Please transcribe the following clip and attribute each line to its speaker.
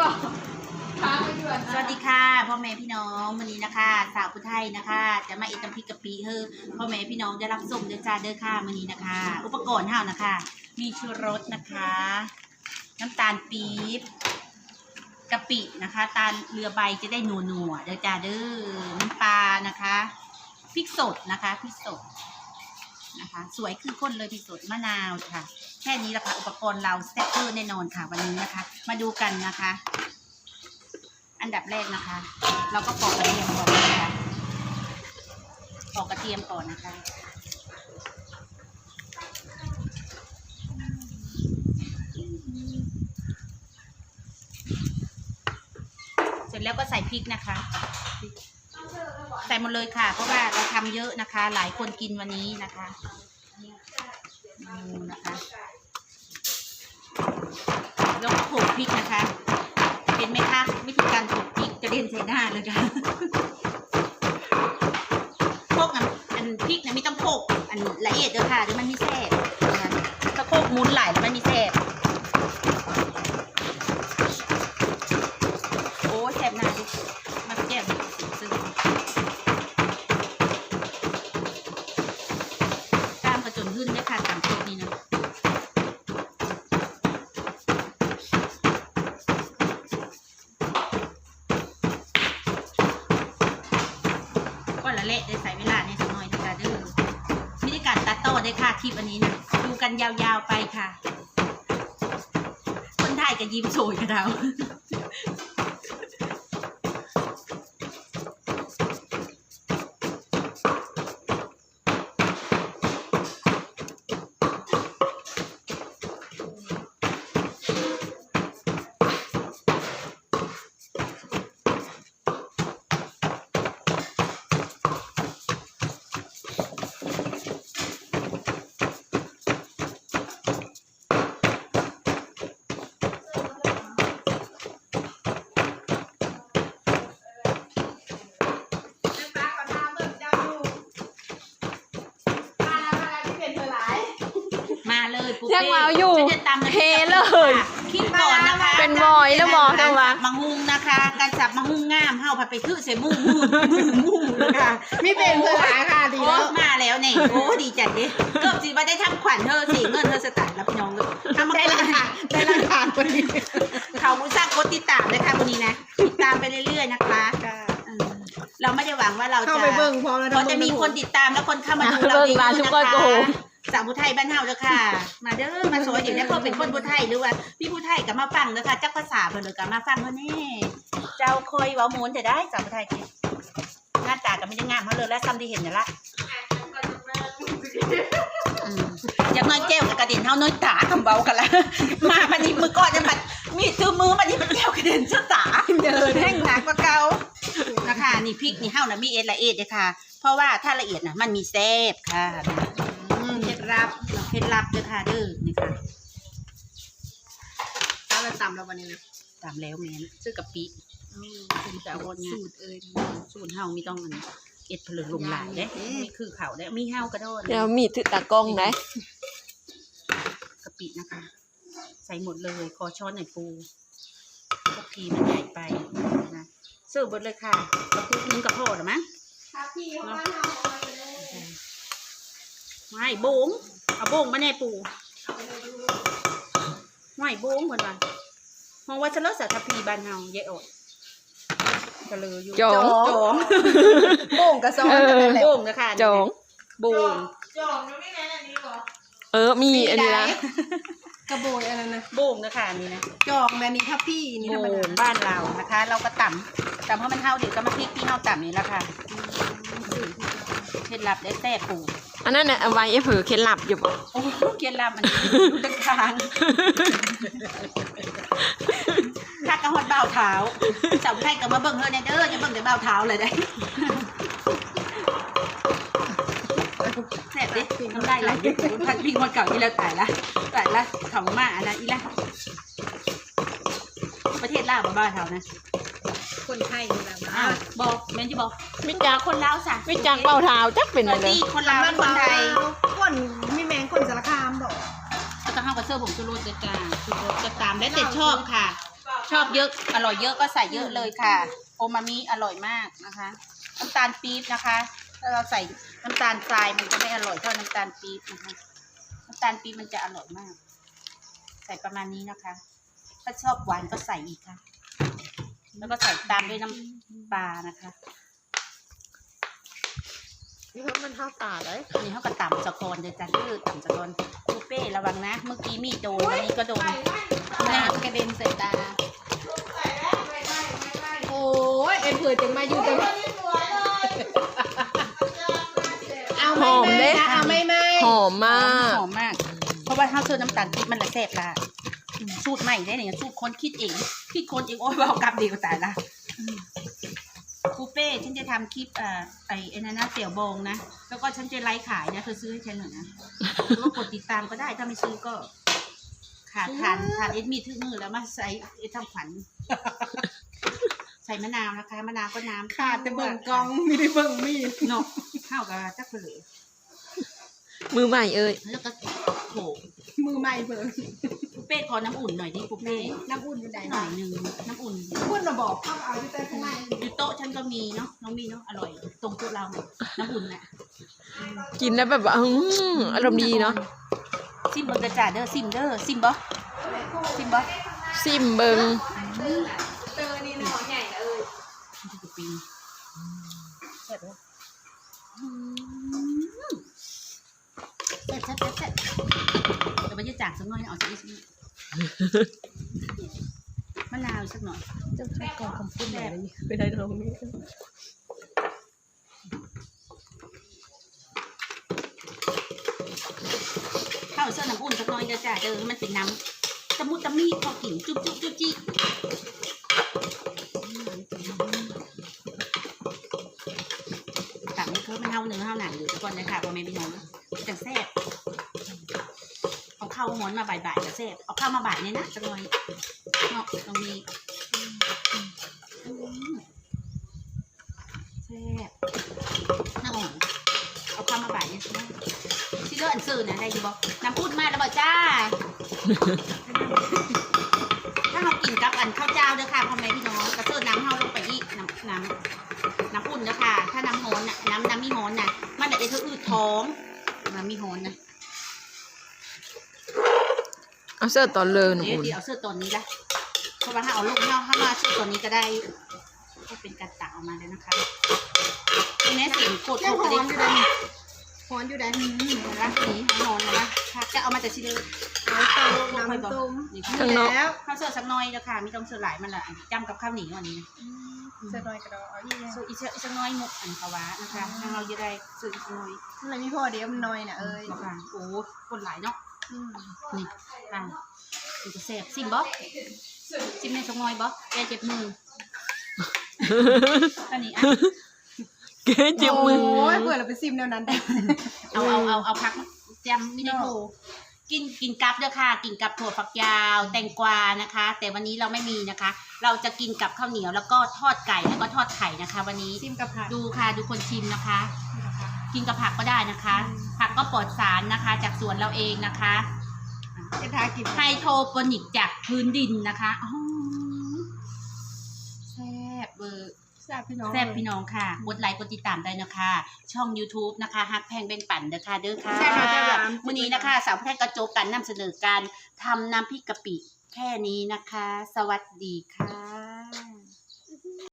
Speaker 1: บอกค้างไปด่วน
Speaker 2: สวัสดีค่ะพ่อแม่พี่น้องวันนี้นะคะสาวผู้ไทยนะคะจะมาอิตาพริกกะปิเฮอพ่อแม่พี่น้องได้รับส้มเด้อจ้าเด้อค่ะวันนี้นะคะ อุปกรณ์เท่านะคะมีชูรสนะคะน้ำตาลปี๊บกะปินะคะตาลเรือใบจะได้นัวๆเด้อจ้าเด้อน้ำปลานะคะพริกสดนะคะพริกสดนะคะสวยคือคนเลยพริกสดมะนาวค่ะแค่นี้แหละค่ะอุปกรณ์เราแซ่บเวอร์แน่นอนค่ะวันนี้นะคะมาดูกันนะคะอันดับแรกนะคะ เราก็ปอกกระเทียมก่อนนะคะปอกกระเทียมก่อนนะคะเสร็จแล้วก็ใส่พริกนะคะใส่หมดเลยค่ะเพราะว่าเราทำเยอะนะคะหลายคนกินวันนี้นะคะนะคะแล้วก็โขลกพริกนะคะเห็นไหมคะวิธีการโขลกพริกกระเด็นใส่หน้าเลยค่ะโขลกอันพริกนะไม่ต้องโขลกอันละเอียดเด้อค่ะเดี๋ยวมันมีแซ่บนะคะถ้าโขลกมุนหลายแล้วมันมีแซ่บโอ้แซ่บหน้าดิมาแก้วซึ่งตามกระจนขึ้นได้ค่ะตามพริกนี่นะเละได้ใส่เวลาในสักหน่อยนะคะเด้อวิธีการตัดต่อได้ค่ะคลิปอันนี้นะดูกันยาวๆไปค่ะคนไทยก็ยิ้มโชยกับเรา
Speaker 3: ยังมาอยู่เฮเลย
Speaker 2: คิดก่อนนะคะ
Speaker 3: เป็นบอยแล้วมองจังหวะ
Speaker 2: มังหุงนะคะการสับมังหุงงามเฮาผัดไปทื่อใส่มุ่งเลยค่ะ
Speaker 1: ไม่เป็นเธอหลายค่ะดีแล้ว
Speaker 2: มาแล้วเนี่ยโอ้ดีจัดดิเกือบสิว่าได้ทำขวัญเธอสิเงินเธอสตาร์รับพี่น้องเลยทำมาได้ราคาวันนี้เขาสร้างกดติดตามเลยค่ะวันนี้นะติดตามไปเรื่อยๆนะคะเราไม่ได้หวังว่าเราจะ
Speaker 1: เข้าไปเบิ่งพอแล้ว
Speaker 2: เราจะมีคนติดตามแล้วคนเข้ามาดูเราเยอะนะคะสาวผู้ไทยบ้านเฮาเด้อค่ะมาเด้อมาสวยอย่างนี้เพื่อเป็นคนผู้ไทยหรือว่าพี่ผู้ไทยกับมาฟังเด้อค่ะจักภาษาเพิ่นเลยกับมาฟังเพิ่นนี่เจ้าคอยเว้าหมุนจะได้สาวผู้ไทยหน้าตาก็ไม่ได้งามเท่าเลยและซ้ำที่เห็นนี่ละอย่างน้อยแก้วกับกระเด็นเท่าน้อยตาคำเบากันละมาวันนี้มือก่อนจะผัดมีซื้อมือวันนี้มันแก้วกระเด็นเสื้อตาเดินแห้งหนักกว่าเก่านะคะนี่พริกนี่เฮานะมีเอ็ดละเอียดเลยค่ะเพราะว่าถ้าละเอียดนะมันมีแซ่บค่ะเคล็ดลับเลยค่ะเด้อนี่ค่ะ
Speaker 1: แล้วเราตำแล้ววันนี้นะ
Speaker 2: ตามแล้วแม่นซื้อกะปิเป็นแต่วนสูตรสูตรเฮามีต้องเอ็ดผลึกลงหลายเด้นี่คือเขาได้มีเฮากระโดด
Speaker 3: เดี๋ยวมีถือตากล้องไหน
Speaker 2: กะปินะคะใส่หมดเลยขอช้อนหน่อยปูพวกพีมันใหญ่ไปนะเสิร์ฟหมดเลยค่ะกระปุกนึงกระโพดหรือมั้ง
Speaker 1: ครับพี่เขาบ้านเรา
Speaker 2: ไม่โบงเอาโบงมาแน่ปูไม่โบงเหมือนกันมองว่าจะเลิกสารทัพพีบ้านเฮาเยอะอดกระเลยอยู่
Speaker 3: จอง
Speaker 1: โบ่งกระซอน
Speaker 2: โบงนะคะ
Speaker 3: จอง
Speaker 2: โบง
Speaker 1: จองไม่แน่อันนี้หรอ
Speaker 3: มีอันนี้ละ
Speaker 1: กระโบยอันนั้นนะ
Speaker 2: โบงนะคะนี่นะ
Speaker 1: จองแบบนี้ครับพี่นี่ธรรมดา
Speaker 2: บ้านเรานะคะเราก็ต่ำให้มันเท่าเดี๋ยวก็มาพริกที่เท่าต่ำนี่แหละค่ะเคล็ดลับได้แซ่บปู
Speaker 3: อันนั้นน่ะเอาไว้เผื่อเคล็ดลับอยู่บ่
Speaker 2: โอ้เคล็ดลับมันดึงทางถ้ากระหดเบาเท้าสาวไทยก็มาเบิ่งเธอเนี่ยเด้อจะเบิ่งแต่เบาเท้าเลยได้แซ่บดิทำได้หลายพันพิงคนเก่าอีแล้วตายละเขามาอะไรอีละประเทศลาวบ้าเท้านะ
Speaker 1: คนไทยนี่แหละ
Speaker 2: บอกแม่นจะบอก
Speaker 3: วิจาร
Speaker 2: คนลาวสั่ง
Speaker 3: วิจารเบาเท้าจักเป็นอะไร
Speaker 2: คนลาวคนไทย
Speaker 1: คนมีแมงคนสารคามบอก
Speaker 2: ก็ต้องเข้ากับเสื้อผมชูรสจะตามได้แต่ชอบค่ะชอบเยอะอร่อยเยอะก็ใส่เยอะเลยค่ะโอมามิอร่อยมากนะคะน้ำตาลปี๊บนะคะถ้าเราใส่น้ำตาลทรายมันจะไม่อร่อยเท่าน้ำตาลปี๊บนะคะน้ำตาลปี๊บมันจะอร่อยมาก ใส่ประมาณนี้นะคะถ้าชอบหวานก็ใส่อีกค่ะแล้วก็ใส่ตามด้วยน้ำปลานะคะ
Speaker 3: นี่เพราะมันเท่าตาเลย
Speaker 2: อันนี้เขาก็ต่ำสะกอนเดี๋ยวจะยืดต่ำสะกอนคูเป้ระวังนะ เมื่อกี้มีดโดนอันนี้ก็โดน
Speaker 1: น้ำกระเด็นใส่ตาโอ้ยเอ็นเผื่อจังมาอยู่จังเอาไม่นะเอาไม่
Speaker 3: หอมมาก
Speaker 2: หอมมาก เพราะว่าถ้าเจอน้ำตาลปี๊บมันละแซ่บละสูตรใหม่ได้เนี่ยสูตรคนคิดเองคิดคนเองโอ้ยเอากลับดีกว่าตายละคูเป้ฉันจะทำคลิปไอ้นั่นนะเสี่ยวบงนะแล้วก็ฉันจะไลฟ์ขายนะเธอซื้อให้ฉันหน่อยนะก็กดติดตามก็ได้ถ้าไม่ซื้อก็ขาดทานเอ็ดมีทึ่มือแล้วมาใส่เอ็ดทำขวัญใส่มะนาวนะคะมะนาวก็น้ำ
Speaker 1: ขาดแต่เบิ่งกองไม่ได้เบิ่งมีด
Speaker 2: เนาะข้าวกับจักรเหลือ
Speaker 3: มือใหม่เอ้ย
Speaker 2: แล้วก็โขก
Speaker 1: มือใหม่เบิ่ง
Speaker 2: ปูเป้ขอน้ำอุ่นหน่อยดิปูเป้
Speaker 1: น้ำอุ่นอยู่ไหน
Speaker 2: หน่อยหนึ่งน้ำอุ่น
Speaker 1: พูดมาบอกเอาอยู่แต่ข้างใน
Speaker 2: อยู่โต๊ะฉันก็มีเนาะน้องมีเนาะอร่อยตรงโต๊ะเราน้ำอุ่นน่ะ
Speaker 3: กินแล้วแบบว่าอารมณ์ดีเนาะ
Speaker 2: ซิมเบอร์กระจ่าเด้อซิมเด้อซิมบ่ซิมบ่
Speaker 3: ซิมเบิง
Speaker 1: เจอนี่นะหอใหญ่เลย
Speaker 2: มันจะปีนแซ่บเลยแซ่บเดี๋ยวไปยืดจางสักหน่อยเอาสักนิดมะนาวสักหน่อย
Speaker 1: จะใช้กองคำพูดแบบนี้ไม่ได้ตรงนี้
Speaker 2: ข้าวเสื้อน้ำอุ่นสักหน่อยเด้อจ้าเด้อมันเป็นน้ำตะมุตะมีพอกินจุ๊บจี้ต่างนี่คือมันเท่าเนื้อเท่าหนังอยู่ทุกคนเลยค่ะพ่อแม่พี่น้องจังแซ่บเอาข้าวม้วนมาบ่ายๆจะแซ่บเอาข้าวมาบ่ายเนี่ยนะสักหน่อยเนาะตรงนี้แซ่บน่าอ่อนเอาข้าวมาบ่ายเนี่ยสิที่เลือดอันซื่อนะได้ดีบ่น้ำพูดมาแล้วบ่จ้า ถ้าเรากินกับอันข้าวเจ้าเด้อค่ะพ่อแม่พี่น้องกระเซิร์น้ำเฮาลงไปอีกน้ำอุ่นเด้อค่ะถ้าน้ำโหนน่ะน้ำมีโหนน่ะมันจะได้เธออืดท้องน้ำมีโหนนะ
Speaker 3: เอาเสื้อตอนเลยหนู
Speaker 2: เดี๋ยว
Speaker 3: อุ่น
Speaker 2: เอาเสื้อตัวนี้ละเพราะว่าถ้าเอาลูกถ้ามาเสื้อตัวนี้ก็ได้ก็เป็นการตักออกมาเลยนะคะทีนี้เสียงโคตร
Speaker 1: ยัง
Speaker 2: โค
Speaker 1: ห
Speaker 2: ต
Speaker 1: อ
Speaker 2: ร
Speaker 1: นอยู่
Speaker 2: เล
Speaker 1: ได้
Speaker 2: ย
Speaker 1: หอนอยู่ได้
Speaker 2: รักนี้โหนนะค่ะจะเอามาจากชิเล
Speaker 1: น้ำต้ม
Speaker 3: ข้างนอก
Speaker 1: แล้ว
Speaker 2: ข้าวเสื้อสักหน่อยเด้อค่ะไม่ต้องเสื้อหลายมันละจำกับข้าวเหนียวอันนี้นะ
Speaker 1: เสร็จหน่อยกระดอเอาอีก
Speaker 2: ซื้ออีกสักน้อยมุกอันภาวะนะคะทางเราจะได้ซื้ออีกสักน้อย
Speaker 1: อะไรมีพ่อเดี๋ยวมันน้อยน่ะเอ้ย
Speaker 2: บอกค่ะโอ้คนหลายเนาะนี่ค่ะดูจะแซ่บซิมบ๊อบซิมในสักน้อยบ๊อบแกเจ็บมืออันนี้อ่ะ
Speaker 3: เก๋เจ็บมือ
Speaker 1: โอ้ยเบื่อเราไปซิมแนวนั้นได้
Speaker 2: เอาพักจำไม่ได้โทรกินกับเด้อค่ะกินกับถั่วฝักยาวแตงกวานะคะ แต่วันนี้เราไม่มีนะคะ เราจะกินกับข้าวเหนียวแล้วก็ทอดไก่แล้วก็ทอดไข่นะคะ วันนี้
Speaker 1: ซิมกับผัก
Speaker 2: ดูค่ะดูคนชิมนะคะ กินกับผักก็ได้นะคะ ผักก็ปลอดสารนะคะ จากสวนเราเองนะคะ
Speaker 1: เอ็ดทากิน
Speaker 2: ไฮโทโปนิกจากพื้นดินนะคะอ๋อแซ่บเบอร์
Speaker 1: แซ่บพี่น้อง
Speaker 2: แซ่บพี่น้องค่ะกดไลค์กดติดตามได้นะคะ ช่อง YouTube นะคะฮักแพงเบ่งปั่นเด้อค่ะเด้อค่ะ
Speaker 1: ใช่ค่ะใช่ค่ะ
Speaker 2: วันนี้นะคะสาวแพทย์กระโจกกันนำเสนอการทำน้ำพริกกะปิแค่นี้นะคะ สวัสดีค่ะ